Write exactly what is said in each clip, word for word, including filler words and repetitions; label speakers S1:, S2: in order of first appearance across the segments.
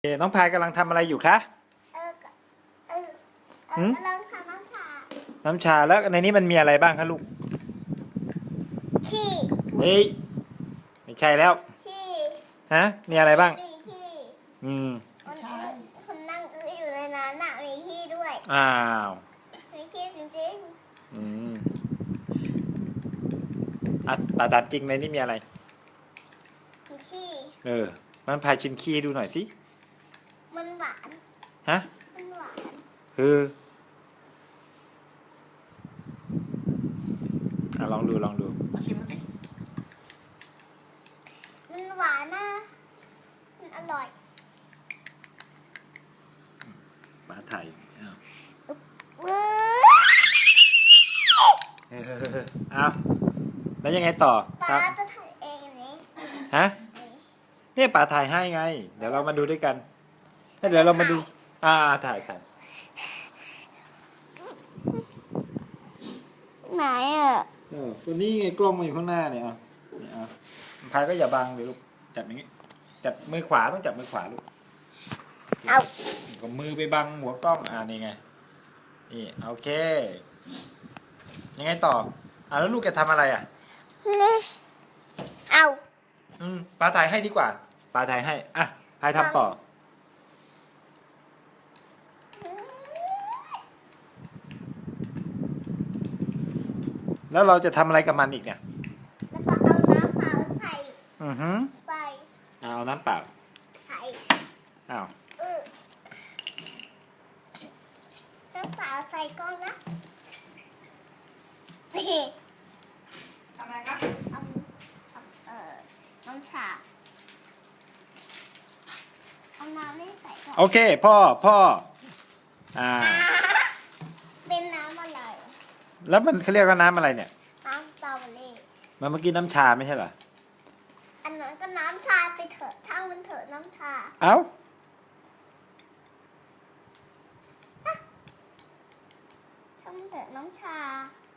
S1: น้องพายกำลังทำอะไรอยู่คะ
S2: เออเออเออกำลังทำน้ำชา
S1: น้ำชาแล้วในนี้มันมีอะไรบ้างคะลูก
S2: ขี้
S1: เฮ้ยไม่ใช่แล้ว
S2: ขี้
S1: ฮะมีอะไรบ้าง
S2: มีขี้
S1: อืม
S2: คนคนนั่งอื้ออยู่ในนั้นน่ะมีขี้ด้วย
S1: อ้าว
S2: มีขี้จริง
S1: อืมอ่ะปาตามจริงในนี้มีอะไร
S2: ๆมีขี้
S1: เออมันพายชิมขี้ดูหน่อยสิ
S2: มันหวาน
S1: ฮะ
S2: มันหวาน
S1: เอออ่ะลองดูลองดู
S3: มาชิมมันดิ
S2: มันหวานนะมันอร่อย
S1: ปลาไทยอ้าว
S2: เว้
S1: เอออ้าวแล้วยังไงต่อ
S2: ป
S1: ครั
S2: ลา
S1: บ
S2: จะถ่ายเองนี้
S1: ฮะเนี่ยปลาถ่ายให้ไงเดี๋ยวเรามาดูด้วยกันเดี๋ยวเรามาดูอ่าถ่ายถ่าย
S2: ไหนอ่ะ
S1: เออตัวนี้ไงกล้องมาอยู่ข้างหน้าเนี่ยอ่ะเนี่ยอ่ะพายก็อย่าบังเลยลูกจับอย่างนี้จับมือขวาต้องจับมือขวาลูก
S2: เอา
S1: ก็มือไปบังหัวกล้องอ่านี่ไงนี่โอเคยังไงต่ออ่าแล้วลูกจะทำอะไรอ่ะ
S2: เอา
S1: อืมปลาถ่ายให้ดีกว่าปลาถ่ายให้อ่ะพายทำต่อแล้วเราจะทำอะไรกับมันอีกเนี่ย
S2: แล้วก็เอาน้ำเปล่าใส่
S1: อือฮึ
S2: ใส่
S1: เอาน้ำเปล่า
S2: ใส่
S1: อ้าว
S2: เออน้ำเปล่าใส่ก้อนนะนี่
S3: ทำอะไรครับ
S2: เอาเอาเออน้ำชาเอาน้ำนี่ใส่ก่อน
S1: โอเคพ่อพ่ออ่า
S2: เป็นน้ำอะไร
S1: แล้วมันเขาเรียกว่าน้ำอะไรเนี่ย
S2: น้ำสตรอเบอรี่
S1: มันเมื่อกี้น้ำชาไม่ใช่เหรอ
S2: อันนั้นก็น้ำชาไปเถอะช่างมันเถอะน้ำชา
S1: เอ้า
S2: ช่างมันเถอะน้ำชา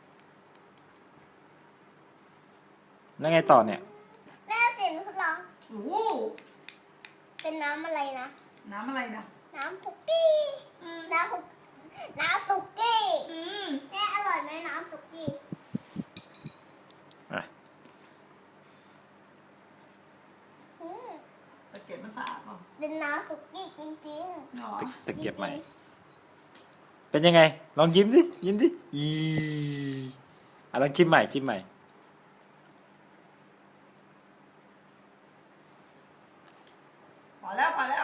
S1: แล้วไงต่อเนี่ย
S2: แม่เสียงทดลอง
S3: โอ้โห
S2: เป็นน้ำอะไรนะ
S3: น้ำอะไรนะ
S2: น้ำคุกกี้
S3: อืม
S2: น้ำคุกน้ำสุกี้
S3: อืม
S2: แม่อร่อยไหมน้ำสุกี้
S1: อ่ะ
S2: อืม
S3: ตะเกียบมันสะอาดเปล่า
S2: เป็นน้ำสุกี้จริง
S3: หรอ
S1: ตะตะ
S2: ๆ
S1: เกียบใหม่
S2: จริง
S1: เป็นยังไง ลองยิ้มดิยิ้มดิอีอ่ะลองชิมใหม่ชิมใหม่
S3: พอแล้วพอแล้ว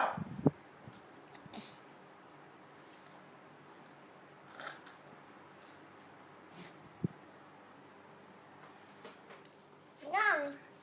S2: ๆนั่ง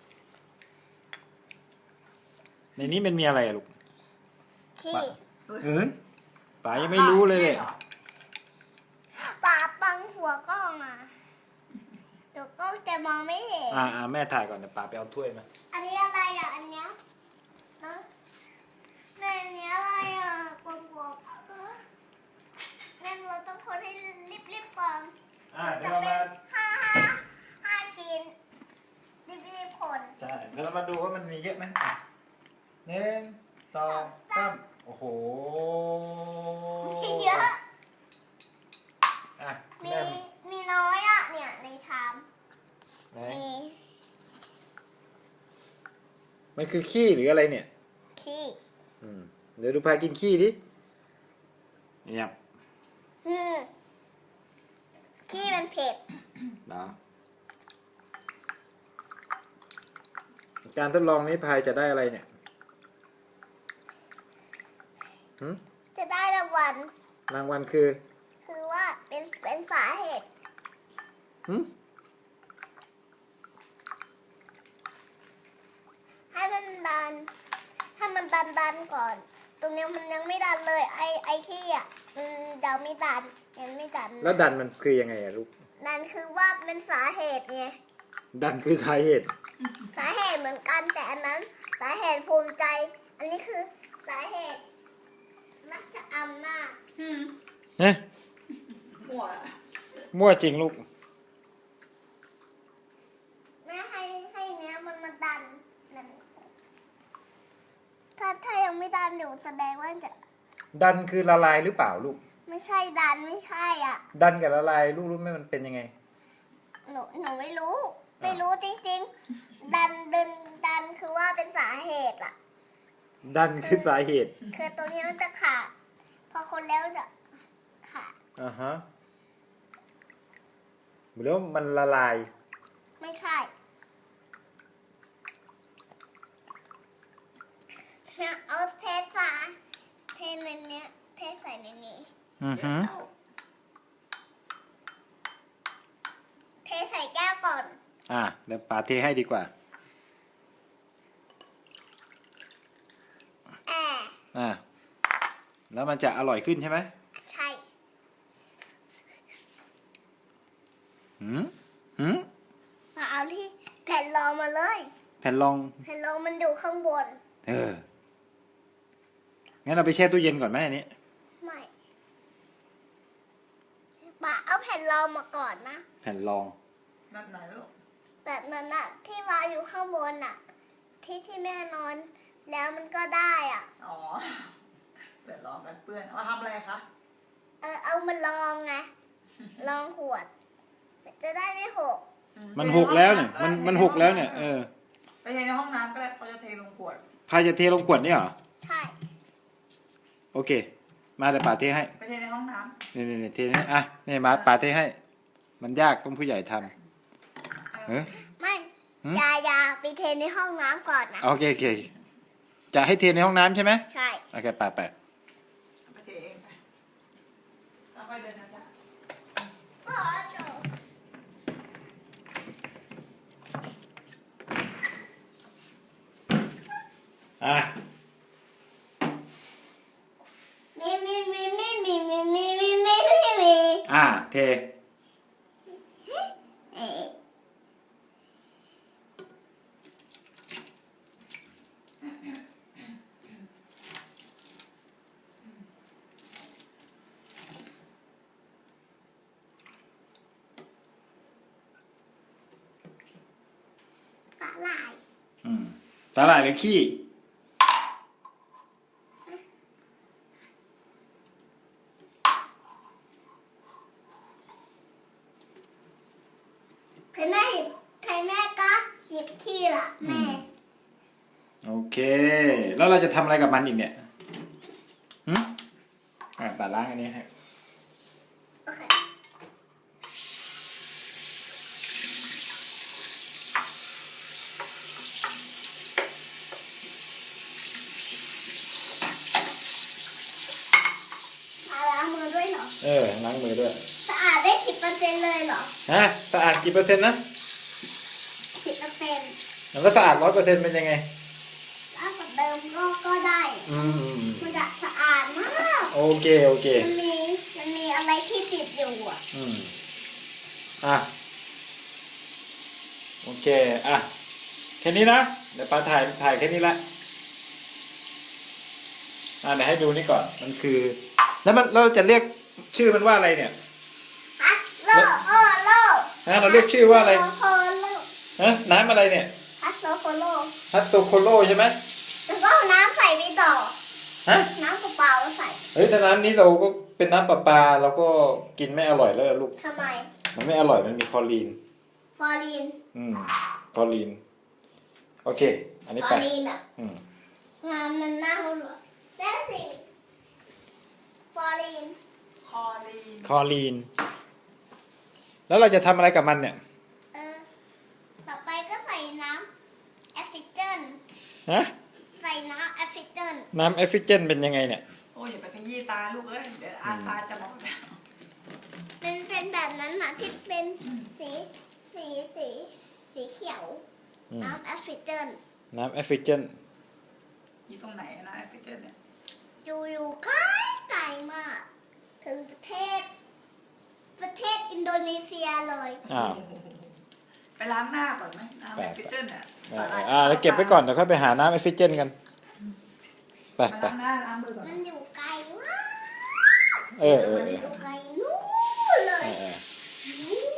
S1: ในนี้มันมีอะไรอะลูก
S2: ขี้
S1: เอ้ยป๋ายังไม่รู้เลยเนี่ย
S2: ปาปังหัวกล้องอ่ะเดี๋ยวกล้องจะมองไม่เห็น
S1: อ่าอ่าแม่ถ่ายก่อนเดี๋ยวป๋าไปเอาถ้วยมา
S2: อันนี้อะไรอ่ะ อันเนี้ยฮะแม่อันเนี้ยอะไรอ่ะกลมๆเออแม่เราต้องคนให้รีบๆก่อน
S1: อ่าเดี๋
S2: จะ
S1: ยวเรา
S2: เป็
S1: มาน
S2: ห้าห้าห้าชิ้นรีบๆคน
S1: ใช่เดี๋ยวเรามาดูว่ามันมีเยอะไหมอ่ะหนึ่งสองสามโอ้โห
S2: เยอะ
S1: อ่ะ
S2: มี
S1: แม่
S2: มีน้อยอ่ะ เนี่ยในชาม
S1: ไหน
S2: มี
S1: มันคือขี้หรืออะไรเนี่ย
S2: ขี้
S1: อืมเดี๋ยวดูพากินขี้ดิเงียบ
S2: อืมขี้มันเผ็ด
S1: เนาะการทดลองนี้พายจะได้อะไรเนี่ยหืม
S2: จะได้รางวัล
S1: รางวัลคือ
S2: คือว่าเป็นเป็นสาเหตุ
S1: หืม
S2: ให้มันดัน ให้มันดันดันก่อน ตรงเนี้ยมันยังไม่ดันเลย ไอไอที่อ่ะมันยังไม่ดันยังไม่ดัน
S1: แล้วดันมันคือยังไงอะลูก
S2: ดันคือว่าเป็นสาเหตุไง
S1: ดันคือสาเหตุ
S2: สาเหตุเหมือนกันแต่อันนั้น สาเหตุภูมิใจ อันนี้คือสาเหตุมักจะอำนาจ
S3: อืม
S1: เฮ้ย
S3: มั่วละ
S1: มั่วจริงลูก
S2: แม่ให้ให้เนี้ยมันมาดันนั่นถ้าถ้ายังไม่ดันเดี๋ยวแสดงว่าจะ
S1: ดันคือละลายหรือเปล่าลูก
S2: ไม่ใช่ดันไม่ใช่อ่ะ
S1: ดันกับละลายลูกรู้ไหมมันเป็นยังไง
S2: หนูหนูไม่รู้ ไม่รู้จริงๆ ดันดันดันคือว่าเป็นสาเหตุอ่ะ
S1: ดันคือสาเหตุ
S2: คือตัวนี้มันจะขาด พอคนแล้วจะขาด
S1: อ่าฮะแล้วมันละลาย
S2: ไม่ใช่เนี่ยเอาเทสาเทในเนี้ยเทใส่ในนี้
S1: อือฮึ
S2: เทใส่แก้วก่อน
S1: อ่ะเดี๋ยวป๋าเทให้ดีกว่า
S2: แอร์
S1: อ่ะแล้วมันจะอร่อยขึ้นใช่ไหม
S2: ใช่
S1: หืมหืม
S2: มาเอาที่แผ่นรองมาเลย
S1: แผ่นรอง
S2: แผ่นรองมันอยู่ข้างบน
S1: เออ งั้นเราไปแช่ตู้เย็นก่อนไหมอันนี้
S2: ไม่ป่าเอาแผ่นรองมาก่อนนะ
S1: แผ่นรอง
S3: แบบไหนลูก
S2: แบบนั้นอะที่วางอยู่ข้างบนอะที่ที่แม่นอน แล้วมันก็ได้อ่ะ
S3: อ๋อเดี๋ยวลองกันเปื้อนเอามาทำอะไรคะ
S2: เออเอามาลองไง ลองขวด จะได้ไม่หก
S3: อื
S1: มันหกแล้วเนี่ย มันมันหกแล้วเนี่ย เออ
S3: ไปเทในห้องน้ำก็ได้เขาจะเทลงขวด
S1: พายจะเทลงขวดนี่เหรอ
S2: ใช่
S1: โอเค มาเดี๋ยวป๋าเทให้
S3: ไปเทในห้องน้
S1: นี่นี่นี่เทให้อ่ะนี่มาป๋าเทให้ มันยากต้องผู้ใหญ่ทำ
S3: ำ
S1: เออ
S2: ไม่
S1: หืม
S2: อยาอยาไปเทในห้องน้ำก่อนนะ
S1: โอเคโอเค จะให้เทในห้องน้ำใช่ไหม
S2: ใช่
S1: โอเคไปไป
S3: ไปเทเองไปแล้วค่อยเดินนะจ๊ะ
S2: พ่อจบ
S1: อ่ะ
S2: มีมีมีมีมีมีมีมีมีมีมี
S1: อ่ะเท
S2: เอ๊ะสาหร่าย
S1: อืมสาหร่ายหรือขี้
S2: ใครแม่หยิบใครแม่ก็หยิบขี้ละแม่
S1: โอเค แล้วเราจะทำอะไรกับมันอีกเนี่ยหืมอ่ะป๋าล้างอันนี้ให้
S2: โอเคมาล้างมือด้วยเหรอ
S1: เออ ล้างมือด้วย
S2: สะอาดได้สิบเปอร์เซ็นต์เลยเหรอ
S1: ฮะสะอาดกี่เปอร์เซ็นต์นะ
S2: สิบเปอร์เซ็นต์
S1: แล้วสะอาดร้อยเปอร์เซ็นต์เป็นยังไง
S2: ถ้ากับเดิมก็ก็ได้
S1: อืมอืมอืม
S2: มันจะสะอาดมาก
S1: โอเคโอเค
S2: มันมีมันมีอะไรที่ติดอยู่อ่ะ
S1: อืมอ่ะ โอเค อ่ะ แค่นี้นะ เดี๋ยวป้าถ่ายถ่ายแค่นี้ละ อ่ะเดี๋ยวให้ดูนี่ก่อน มันคือ แล้วมันเราจะเรียกชื่อมันว่าอะไรเนี่ย
S2: ฮัสโลโอโล
S1: ฮะเราเรียกชื่อว่าอะไร
S2: ฮัสโลโคโล
S1: ฮะน้ำอะไรเนี่ย
S2: ฮัสโลโคโล
S1: ฮัตโตโคโลใช่ไหม
S2: แล้วก็เอาน้ำใส่ไปต่อ
S1: ฮะ
S2: น้ำเปล่าๆใส่
S1: เฮ้ยแต่น้ำนี้เราก็เป็นน้ำประปาเราก็กินไม่อร่อยแล้วลูก
S2: ทำไม
S1: มันไม่อร่อย มันมีคลอรีน
S2: ฟอร์ลีน
S1: อืมคลอรีน โอเค อันนี้
S2: ฟ
S1: ไป
S2: อร์ลีนอ่ะ
S1: อืม
S2: งามมันเน่าเหรอแม่สิฟอร์ลีน
S3: คอรีน
S1: คลอรีน แล้วเราจะทำอะไรกับมันเนี่ย
S2: เออ ต่อไปก็ใส่น้ำแอฟริเจน
S1: ฮะ
S2: ใส่น้ำแอฟริเจน
S1: น้ำเอฟฟิเจนเป็นยังไงเนี่ย
S3: โอ้ยอย่าไปขยี้ตาลูกเอ้ย เดี๋ยวอาตาจะบอดแล้ว
S2: เป็นเป็นแบบนั้นนะที่เป็นสีสีสีสีเขียว
S1: อืม
S2: น้ำแอฟริเจน
S1: น้ำเอฟฟิเจน
S3: อยู่ตรงไหนนะแอฟริเจนเนี่ย
S2: อยู่อยู่ไกลไกลมาก ถึงประเทศ ประเทศอินโดนีเซียเลย
S1: อ้าว
S3: ไปล้างหน้าก่อนไหมน้ำ
S1: ไป
S3: แอฟริเจนเนี่ย
S1: อ่าอ่าแล้วเก็บไว้ก่อนเดี๋ยวค่อยไปหาน้ำเอฟฟิเจนกัน ไป
S3: มา
S1: ไป
S3: ล้างหน้าล้างมือก่อน
S2: มันอยู่ไกลมาก
S1: เออเออเออ
S2: อยู่ไกลนู้นเล
S1: เอย อเออ
S2: นู้